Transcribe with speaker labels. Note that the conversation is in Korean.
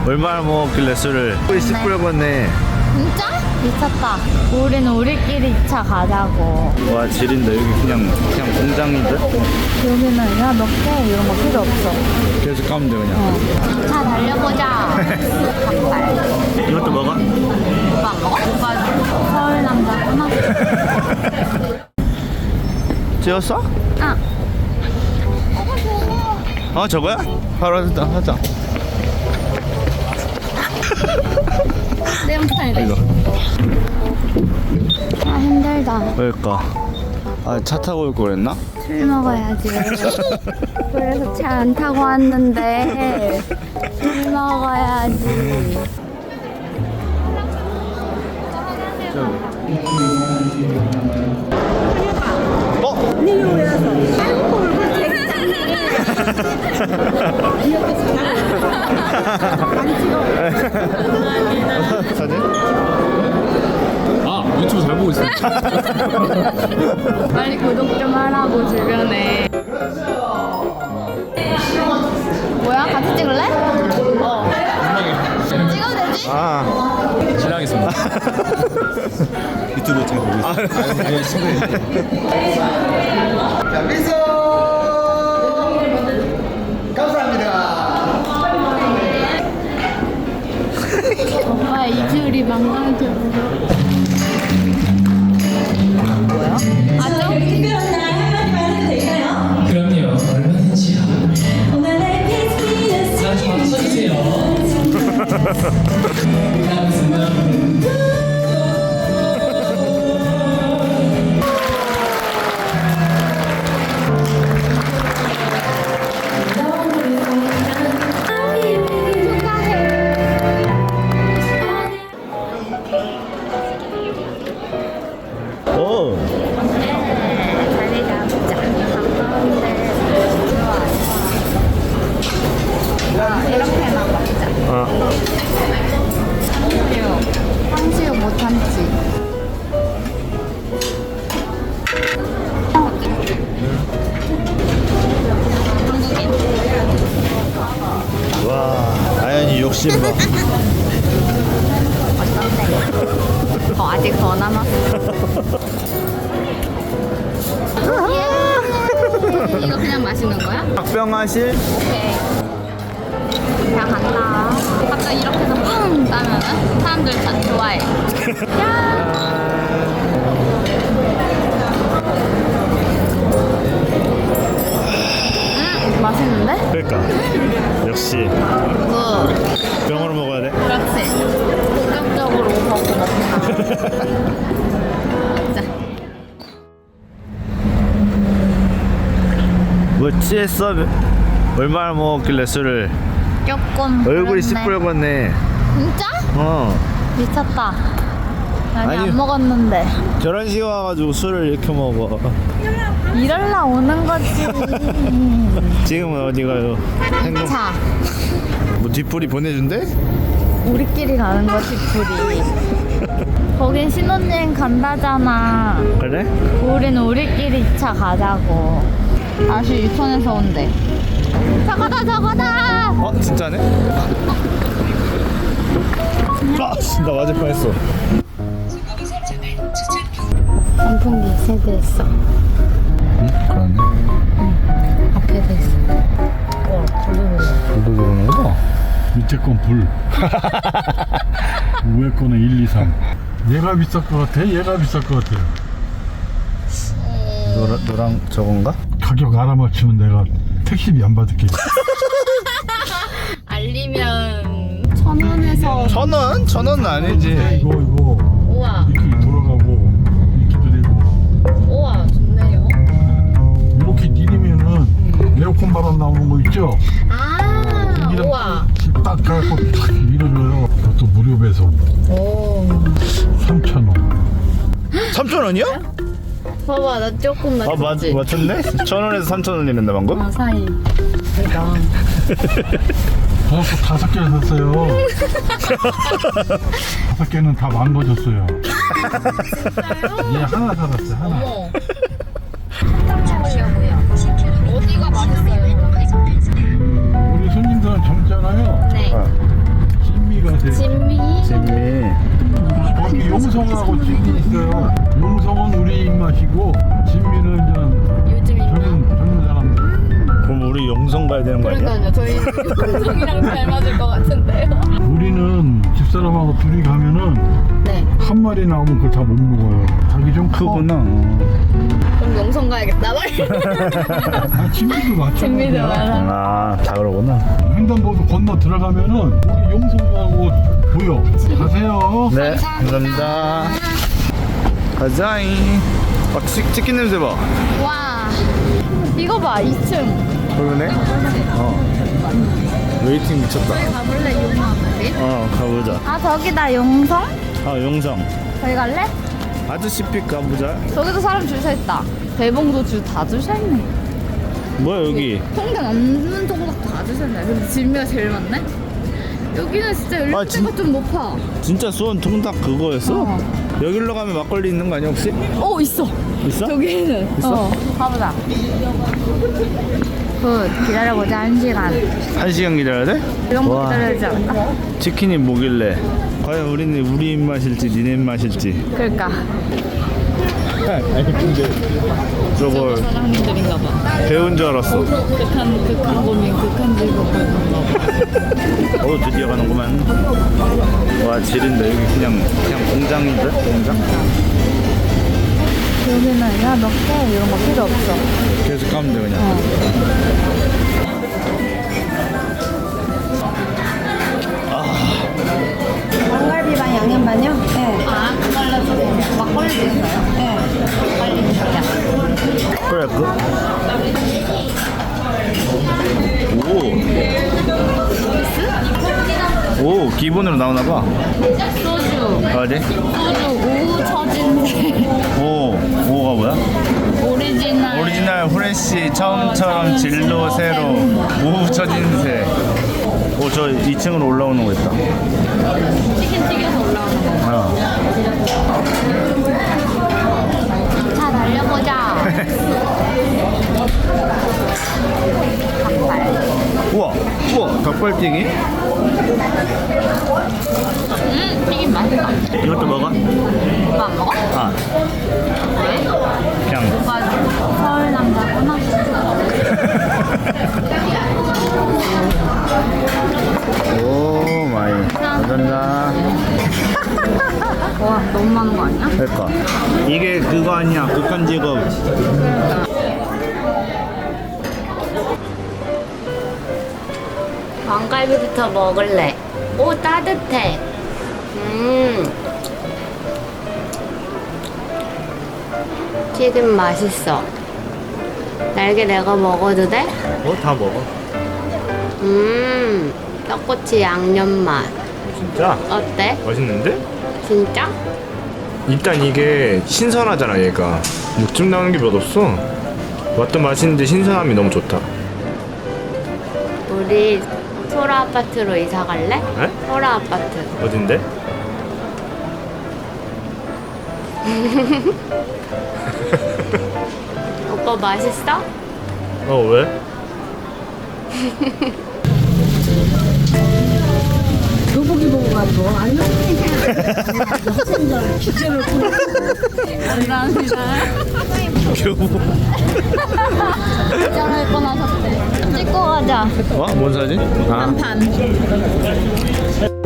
Speaker 1: 얼마나 먹었길래 술을. 우리 10불 걷네.
Speaker 2: 진짜? 미쳤다. 우리는 우리끼리 2차 가자고.
Speaker 1: 와 지린다. 여기 그냥 공장인데?
Speaker 2: 여기는 야 몇 개 이런 거 필요 없어.
Speaker 1: 계속 가면 돼 그냥.
Speaker 2: 차 달려보자. 닭발.
Speaker 1: 이것도 먹어?
Speaker 2: 오빠 안 먹어? 오빠 서울 남자구나.
Speaker 1: 찍었어?
Speaker 2: 아.
Speaker 1: 저거야? 바로 하자.
Speaker 2: 내 영상이래.
Speaker 1: 이거.
Speaker 2: 아 힘들다.
Speaker 1: 그러니까. 차 타고 올 거랬나?
Speaker 2: 술 먹어야지. 그래서 차 안 타고 왔는데 술 먹어야지.
Speaker 1: 사진?
Speaker 3: 유튜브 잘 보고 있어.
Speaker 2: 빨리 구독 좀 하라고 주변에. 뭐야? 같이 찍을래? 찍어도 되지?
Speaker 3: 실례하겠습니다.
Speaker 1: 유튜브 잘 보고 있어.
Speaker 4: 자, 미소! 감사합니다.
Speaker 2: 오빠 이주리 망가져. 뭐야? 아죠?
Speaker 5: 특별한 날 한마디 될까요?
Speaker 3: 그럼요. 얼마든지요.
Speaker 5: 오늘의 피스피어스
Speaker 3: 자, 좀 쳐주세요.
Speaker 1: 오.
Speaker 2: 자리 잡자. 가까운데. 이렇게만 먹자. 탕수육 못 참지.
Speaker 1: 와 아연이 욕심 봐.
Speaker 2: 어떤데? 아직 더 남았어. 예. 이거 그냥 마시는 거야?
Speaker 1: 박병하실?
Speaker 2: 오케이. 다 간다. 아까 이렇게 해서 뿡 따면은 사람들 다 좋아해. 야. 맛있는데?
Speaker 1: 그러니까 역시
Speaker 2: 굿.
Speaker 1: 병으로 먹어야 돼.
Speaker 2: 그렇지. 본격적으로 먹고 먹자. 자.
Speaker 1: 뭐 취했어? 얼마나 먹었길래 술을.
Speaker 2: 조금
Speaker 1: 얼굴이
Speaker 2: 그랬네.
Speaker 1: 10불 걷네.
Speaker 2: 진짜? 미쳤다. 아니
Speaker 1: 아니.
Speaker 2: 안 먹었는데.
Speaker 1: 결혼식 와가지고 술을 이렇게 먹어.
Speaker 2: 이럴라 오는 거지.
Speaker 1: 지금은 어디 가요? 행동.
Speaker 2: 자,
Speaker 1: 뭐 뒷불이 보내준대?
Speaker 2: 우리끼리 가는 거지 둘이. 거긴 신혼여행 간다잖아.
Speaker 1: 그래?
Speaker 2: 우리는 우리끼리 2차 가자고. 다시 유턴해서 온대. 저거다 저거다.
Speaker 1: 진짜네? 나 맞을 뻔했어.
Speaker 2: 선풍기 세대했어.
Speaker 1: 그러네.
Speaker 2: 앞에도 있어.
Speaker 1: 불도 들어오는 거다.
Speaker 6: 밑에 건 불. 위에 거는 1, 2, 3. 얘가 비쌀 것 같아? 얘가 비쌀 것 같아?
Speaker 1: 너랑 저건가?
Speaker 6: 가격 알아맞히면 내가 택시비 안 받을게.
Speaker 2: 알리면 1,000원에서
Speaker 1: 1,000원? 1,000원은 아니지.
Speaker 6: 이거
Speaker 2: 우와
Speaker 6: 이렇게 돌아가고 이렇게 되고
Speaker 2: 우와 좋네요.
Speaker 6: 이렇게 내리면은 에어컨 바람 나오는 거 있죠?
Speaker 2: 아 우와.
Speaker 6: 딱 가갖고 탁 밀어줘요. 그것도 무료 배송.
Speaker 2: 오
Speaker 6: 3,000원.
Speaker 1: 3,000원이요?
Speaker 2: 봐봐 나 조금 맞췄지.
Speaker 1: 맞췄네? 1,000원에서 3,000원 이랬나 방금?
Speaker 2: 사이. 그러니까.
Speaker 6: 버섯 5개 샀어요. 5개는 다 망가졌어요. 얘 하나 살았어요. 하나.
Speaker 2: 어머. 먹으려고요. 어디가 맛있어요?
Speaker 6: 우리 손님들은 젊잖아요.
Speaker 2: 네.
Speaker 6: 가세요.
Speaker 2: 진미.
Speaker 1: 진미.
Speaker 6: 거기 용성하고 진미 있어요. 용성은 우리 입맛이고 진미는 이제
Speaker 2: 요즘
Speaker 6: 젊은 사람들.
Speaker 1: 그럼 우리 용성 가야 되는 거 아니야?
Speaker 2: 그러니까요. 저희 용성이랑 잘 맞을 것 같은데요.
Speaker 6: 우리는 집사람하고 둘이 가면은
Speaker 2: 네.
Speaker 6: 한 마리 나오면 그걸 다 못 먹어요. 자기 좀 커.
Speaker 1: 크구나.
Speaker 2: 그럼 용성 가야겠다.
Speaker 6: 아, 진미도 마찬가지야.
Speaker 2: 진미도 많아.
Speaker 1: 아, 다 그러구나.
Speaker 6: 횡단보도 건너 들어가면은 거기 용성하고 보여. 가세요.
Speaker 1: 네, 감사합니다. 가자잉. 치킨 냄새 봐.
Speaker 2: 와. 이거 봐. 2층.
Speaker 1: 그러네? 웨이팅 미쳤다.
Speaker 2: 가볼래 용성.
Speaker 1: 가보자.
Speaker 2: 아 저기다 용성?
Speaker 1: 용성.
Speaker 2: 저기 갈래?
Speaker 1: 아저씨 픽 가보자.
Speaker 2: 저기도 사람 줄 서 있다. 대봉도 다 줄 서 있네.
Speaker 1: 뭐야, 여기?
Speaker 2: 통장 없는 통닭 다 줄 서 있네. 근데 진미가 제일 많네. 여기는 진짜 연령대가
Speaker 1: 진-
Speaker 2: 좀 높아.
Speaker 1: 진짜 수원 통닭 그거였어?
Speaker 2: 어.
Speaker 1: 여기로 가면 막걸리 있는 거 아니야, 혹시?
Speaker 2: 오 있어.
Speaker 1: 있어?
Speaker 2: 저기는.
Speaker 1: 있어?
Speaker 2: 가보자. 굿. 기다려보자 1시간.
Speaker 1: 1시간 기다려야 돼?
Speaker 2: 이 정도
Speaker 1: 와.
Speaker 2: 기다려야 되지 않을까?
Speaker 1: 치킨이 뭐길래? 과연 우리 입맛일지 니네 입맛일지.
Speaker 2: 그러니까.
Speaker 1: 아니 근데 저걸
Speaker 2: 사장님들인가 봐.
Speaker 1: 배운 줄 알았어.
Speaker 2: 극한 고민, 극한 즐거움 그런가 봐.
Speaker 1: 드디어 가는구만. 와, 지린다. 여기 그냥 공장인데? 공장?
Speaker 2: 여기는 야 몇 개 이런 거 필요 없어.
Speaker 1: 계속 가면 돼 그냥.
Speaker 5: 왕갈비반 양념반요? 네.
Speaker 2: 아 그걸로 좀 막걸리도 있어요? 네. 막걸리 주자.
Speaker 1: 그래 오, 기본으로 나오나 봐.
Speaker 2: 소주.
Speaker 1: 어디?
Speaker 2: 소주 오후 처진새.
Speaker 1: 오가 뭐야?
Speaker 2: 오리지널.
Speaker 1: 후레쉬 처음처럼 진로 새로 오후 처진새. 저 2층으로 올라오는 거 있다.
Speaker 2: 치킨 튀겨서 올라오는 거. 자 달려보자. 닭발.
Speaker 1: 우와 닭발튀기?
Speaker 2: 튀김 맛있다.
Speaker 1: 이것도 먹어?
Speaker 2: 오빠 안 먹어? 왜?
Speaker 1: 그냥
Speaker 2: 오빠 서울 남자구나.
Speaker 1: 오 마이 감사합니다.
Speaker 2: 와 너무 많은 거 아니야?
Speaker 1: 그러니까 이게 그거 아니야, 극한 직업.
Speaker 2: 왕갈비부터 먹을래. 오 따뜻해. 튀김 맛있어. 날개 내가 먹어도 돼?
Speaker 1: 다 먹어.
Speaker 2: 떡꼬치 양념 맛.
Speaker 7: 진짜
Speaker 2: 어때?
Speaker 7: 맛있는데?
Speaker 2: 진짜?
Speaker 7: 일단 이게 신선하잖아. 얘가 묵집 나는 게 몇 없어. 맛도 맛있는데 신선함이 너무 좋다.
Speaker 2: 우리 소라 아파트로 이사 갈래?
Speaker 7: 에?
Speaker 2: 소라 아파트.
Speaker 7: 어딘데?
Speaker 2: 오빠 맛있어?
Speaker 7: 왜?
Speaker 2: 감사합니다.
Speaker 1: 교복.
Speaker 2: 할 뻔하셨대. 찍고 가자.
Speaker 1: 뭔 사진?
Speaker 2: 반.